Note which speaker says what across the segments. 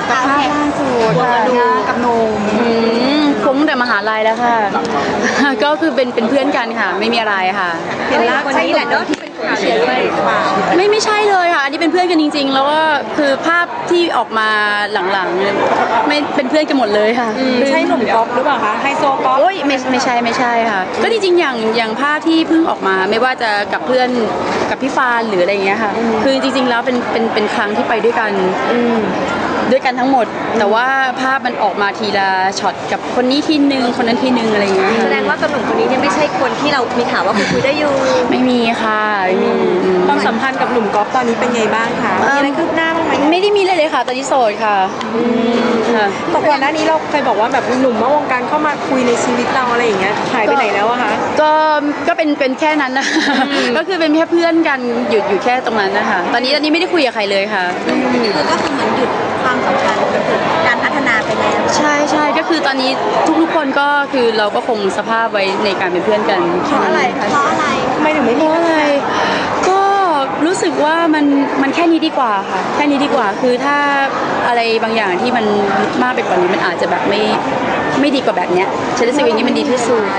Speaker 1: กับภาพล่าสุดกับหนุ่ม
Speaker 2: คุ้งแต่มหาลัยแล้วค่ะก็คือเป็นเพื่อนกันค่ะไม่มีอะไรค่ะ
Speaker 1: เห็นแล้วคนนี้แหละเนาะที่เป็นข่าวเชียร์ด้วย
Speaker 2: ไม่ใช่เลยค่ะอันนี้เป็นเพื่อนกันจริงๆแล้วก็คือภาพที่ออกมาหลังๆไม่เป็นเพื่อนกันหมดเลยค่ะ
Speaker 1: ใช่หนุ่มก๊อฟหรือเปล่าคะไฮโซก๊อฟ
Speaker 2: โอ้ยไม่ใช่ค่ะก็จริงๆอย่างภาพที่เพิ่งออกมาไม่ว่าจะกับเพื่อนกับพี่ฟานหรืออะไรอย่างเงี้ยค่ะคือจริงๆแล้วเป็นครั้งที่ไปด้วยกันทั้งหมดแต่ว่าภาพมันออกมาทีละช็อตกับคนนี้ทีนึงคนนั้นทีนึงอะไรอย่างเงี้ย
Speaker 1: แสดงว่ากับหนุ่มคนนี้ยังไม่ใช่คนที่เรามีข่าวว่าคุยได้อยู่
Speaker 2: ไม่มีค่ะไม่มี
Speaker 1: ความสัมพันธ์กับหนุ่มก๊อฟตอนนี้เป็นไงบ้างคะมีอะไรคืบหน้าบ้างไหม
Speaker 2: ไม่ได้มีเลยค่ะตอนนี้โสดค่ะ
Speaker 1: แต่ก่อนหน้านี้เราเคยบอกว่าแบบหนุ่มนอกวงการเข้ามาคุยในชีวิตเราอะไรอย่างเงี้ยหายไปไหนแล้วอะคะ
Speaker 2: ก็เป็นแค่นั้นนะก็คือเป็นแค่เพื่อนกันอยู่แค่ตรงนั้นนะคะตอนนี้ไม่ได้คุยกับใครเลยค่ะ
Speaker 1: คือก็คือเหมือนหยุดความสัมพันธ์การพัฒนาไปแล้ว
Speaker 2: ใช่ก็คือตอนนี้ทุกคนก็คือเราก็คงสภาพไว้ในการเป็นเพื่อนกัน
Speaker 1: เพราะอะไรคะเพราะอะไรไม่ถึงไม่
Speaker 2: เพราะอะไรก็รู้สึกว่ามันแค่นี้ดีกว่าค่ะแค่นี้ดีกว่าคือถ้าอะไรบางอย่างที่มันมากไปกว่านี้มันอาจจะแบบไม่ดีกว่าแบบเนี้ยฉันรู้สึกอย่างนี้มันดีที่สุด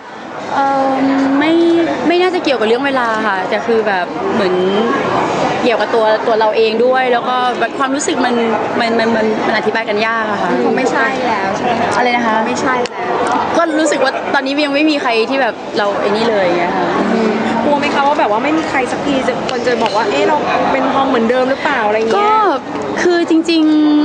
Speaker 2: ไม่น่าจะเกี่ยวกับเรื่องเวลาค่ะแต่คือแบบเหมือนเกี่ยวกับตัวเราเองด้วยแล้วก็แบบความรู้สึกมันอธิบายกันยากอะค่ะ
Speaker 1: คงไม่ใช่แล้วใช่ไหม
Speaker 2: อะไรนะคะ
Speaker 1: ไม่ใช่แล้ว
Speaker 2: ก็รู้สึกว่าตอนนี้ยังไม่มีใครที่แบบเราไอ้นี่เลยไงค่ะ
Speaker 1: กลัวไหมคะว่าแบบว่าไม่มีใครสักทีคนจะบอกว่าเอ๊ะเราเป็นทอมเหมือนเดิมหรือเปล่าอะไรเงี้ย
Speaker 2: ก็คือจริง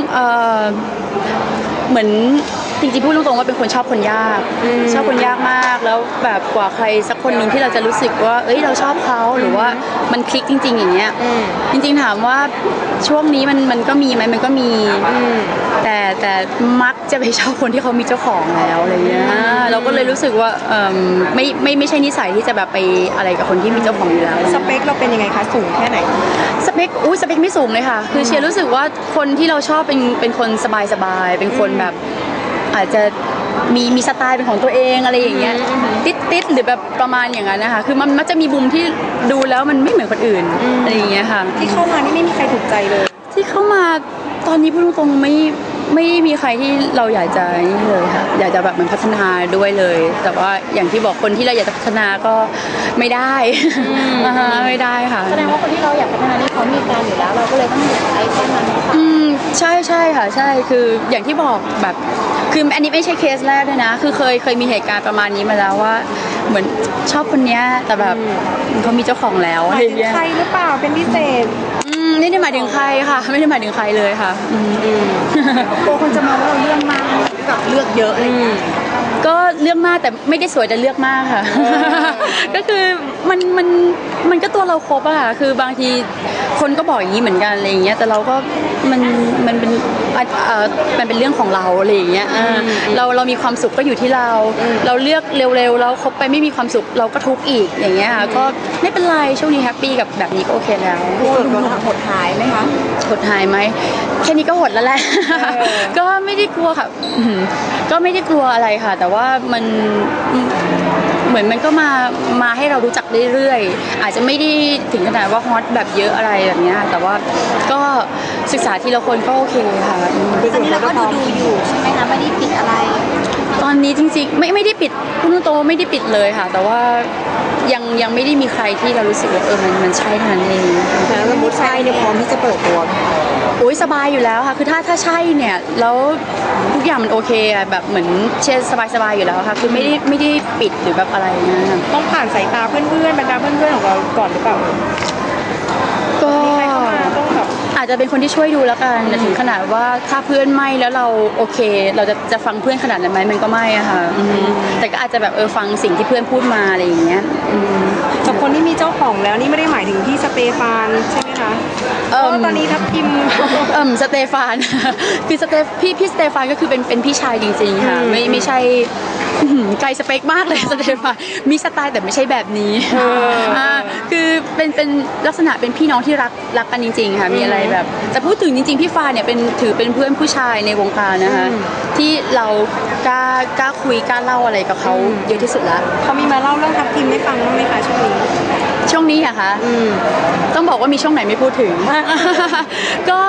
Speaker 2: ๆเหมือนจริงๆพูดตรงๆว่าเป็นคนชอบคนยากมากแล้วแบบกว่าใครสักคนหนึ่งที่เราจะรู้สึกว่าเอ้ยเราชอบเขาหรือว่ามันคลิกจริงๆอย่างเงี้ยจริงๆถามว่าช่วงนี้มันก็มีไหมมันก็มีแต่มักจะไปชอบคนที่เขามีเจ้าของแล้วอะไรเงี้ยเราก็เลยรู้สึกว่าไม่ใช่นิสัยที่จะแบบไปอะไรกับคนที่มีเจ้าของอยู่แล้ว
Speaker 1: สเปคเราเป็นยังไงคะสูงแค่ไหน
Speaker 2: สเปคไม่สูงเลยค่ะคือเชียร์รู้สึกว่าคนที่เราชอบเป็นคนสบายเป็นคนแบบอาจจะมีสไตล์เป็นของตัวเองอะไรอย่างเงี้ยติดหรือแบบประมาณอย่างนั้นนะคะคือมันจะมีมุมที่ดูแล้วมันไม่เหมือนคนอื่นอะไรอย่างเงี้ยค่ะ
Speaker 1: ที่เข้ามานี่ไม่มีใครถูกใจเลย
Speaker 2: ที่เข้ามาตอนนี้พูดตรงๆไม่มีใครที่เราอยากจะนี่เลยค่ะอยากจะแบบมันพัฒนาด้วยเลยแต่ว่าอย่างที่บอกคนที่เราอยากจะพัฒนาก็ไม่ได้ไม่ได้ค่ะ
Speaker 1: แสดงว่าคนที่เราอยากพัฒนานี่เขามีการอยู่แล้วเราก็เลยต้องหยุดไอ้ต้นนั้น
Speaker 2: ใช่ค่ะใช่คืออย่างที่บอกแบบคืออันนี้ไม่ใช่เคสแรกด้วยนะคือเคยมีเหตุการณ์ประมาณนี้มาแล้วว่าเหมือนชอบคนเนี้ยแต่แบบเขามีเจ้าของแล้ว
Speaker 1: อะไรอย่างเงี้ยใครหรือเปล่าเป็นพิเศษ
Speaker 2: ไม่ได้หมายถึงใครค่ะไม่ได้หมายถึงใครเลยค่ะ
Speaker 1: กลัวคนจะมองว่าเราเรื่องมากกับเลือกเยอะอะไรเงี้ย
Speaker 2: ก็เลือกมากแต่ไม่ได้สวยแต่เลือกมากค่ะก็คือมันก็ตัวเราครบอะค่ะคือบางทีคนก็บอกอย่างนี้เหมือนกันอะไรอย่างเงี้ยแต่เราก็มันเป็นเรื่องของเราอะไรอย่างเงี้ยเรามีความสุขก็อยู่ที่เราเลือกเร็วๆเราคบไปไม่มีความสุขเราก็ทุกข์อีกอย่างเงี้ยค่ะก็ไม่เป็นไรช่วงนี้แฮปปี้กับแบบนี้ก็โอเคแล้ว
Speaker 1: หดหายไหมคะ
Speaker 2: หดหายไหมแค่นี้ก็หดแล้วแหละก็ไม่ได้กลัวค่ะก็ไม่ได้กลัวอะไรค่ะแต่ว่ามันเหมือนมันก็มาให้เรารู้จักเรื่อยๆอาจจะไม่ได้ถึงขนาดว่าฮอตแบบเยอะอะไรแบบนี้แต่ว่าก็ศึกษาทีละคนก็โอเคค่ะ
Speaker 1: ตอนนี้เราก็ดูอยู่ใช่ไหมคะไม่ได้ปิดอะไร
Speaker 2: ตอนนี้จริงๆไม่ได้ปิดพูดตรงๆไม่ได้ปิดเลยค่ะแต่ว่ายังไม่ได้มีใครที่เรารู้สึกว่ามันใช่เท่านั้นเอง
Speaker 1: แล้วสมมติใช่เนี่ยพร้อมที่จะเปิดตัว
Speaker 2: โอ้ยสบายอยู่แล้วค่ะคือถ้าใช่เนี่ยแล้วทุกอย่างมันโอเคอะแบบเหมือนเช่นสบายอยู่แล้วค่ะคือไม่ได้ปิดหรือแบบอะไรนะ
Speaker 1: ต้องผ่านสายตาเพื่อนๆบรรดาเพื่อนๆของเราก่อนหรือเปล่า
Speaker 2: ก็อาจจะเป็นคนที่ช่วยดูแล้วกันถึงขนาดว่าถ้าเพื่อนไม่แล้วเราโอเคเราจะฟังเพื่อนขนาดนั้นไหมมันก็ไม่อะค่ะแต่ก็อาจจะแบบฟังสิ่งที่เพื่อนพูดมาอะไรอย่างเงี้ย
Speaker 1: กับคนที่มีเจ้าของแล้วนี่ไม่ได้หมายถึงพี่สเตฟานใช่ไหมคะตอนนี้ทับทิม
Speaker 2: สเตฟานคือพี่สเตฟานก็คือเป็นพี่ชายจริงๆค่ะไม่ใช่ไกลสเปคมากเลยสเตฟานมีสไตล์แต่ไม่ใช่แบบนี้คือเป็นลักษณะเป็นพี่น้องที่รักกันจริงๆค่ะมีอะไรแบบแต่พูดถึงจริงๆพี่ฟานเนี่ยถือเป็นเพื่อนผู้ชายในวงการนะคะที่เรากล้าคุยกล้าเล่าอะไรกับเขาเยอะที่สุดละ
Speaker 1: เขามีมาเล่าเรื่องทับทิมให้ฟังบ้างไหมคะ
Speaker 2: ช่วงนี้อะคะต้องบอกว่ามีช่วงไหนไม่พูดถึงก็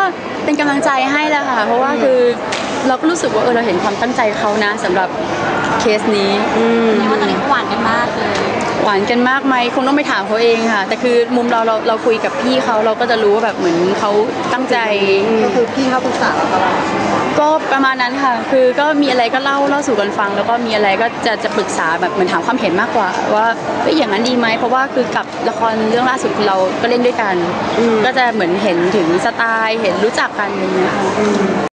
Speaker 2: เป็นกำลังใจให้แหละค่ะเพราะว่าคือเราก็รู้สึกว่าเราเห็นความตั้งใจเขานะสำหรับเคสนี้
Speaker 3: ว่าตอนนี้เขาหวานกันมากเลย
Speaker 2: หวานกันมากไหมคงต้องไปถามเขาเองค่ะแต่คือมุมเราคุยกับพี่เขาเราก็จะรู้ว่าแบบเหมือนเขาตั้งใจ
Speaker 1: ก็คือพี่เขาปรึกษาเราตลอด
Speaker 2: ก็ประมาณนั้นค่ะคือก็มีอะไรก็เล่าสู่กันฟังแล้วก็มีอะไรก็จะปรึกษาแบบเหมือนถามความเห็นมากกว่าว่าอย่างนั้นดีไหมเพราะว่าคือกับละครเรื่องล่าสุดเราก็เล่นด้วยกันก็จะเหมือนเห็นถึงสไตล์เห็นรู้จักกันอย่างเงี้ยค่ะ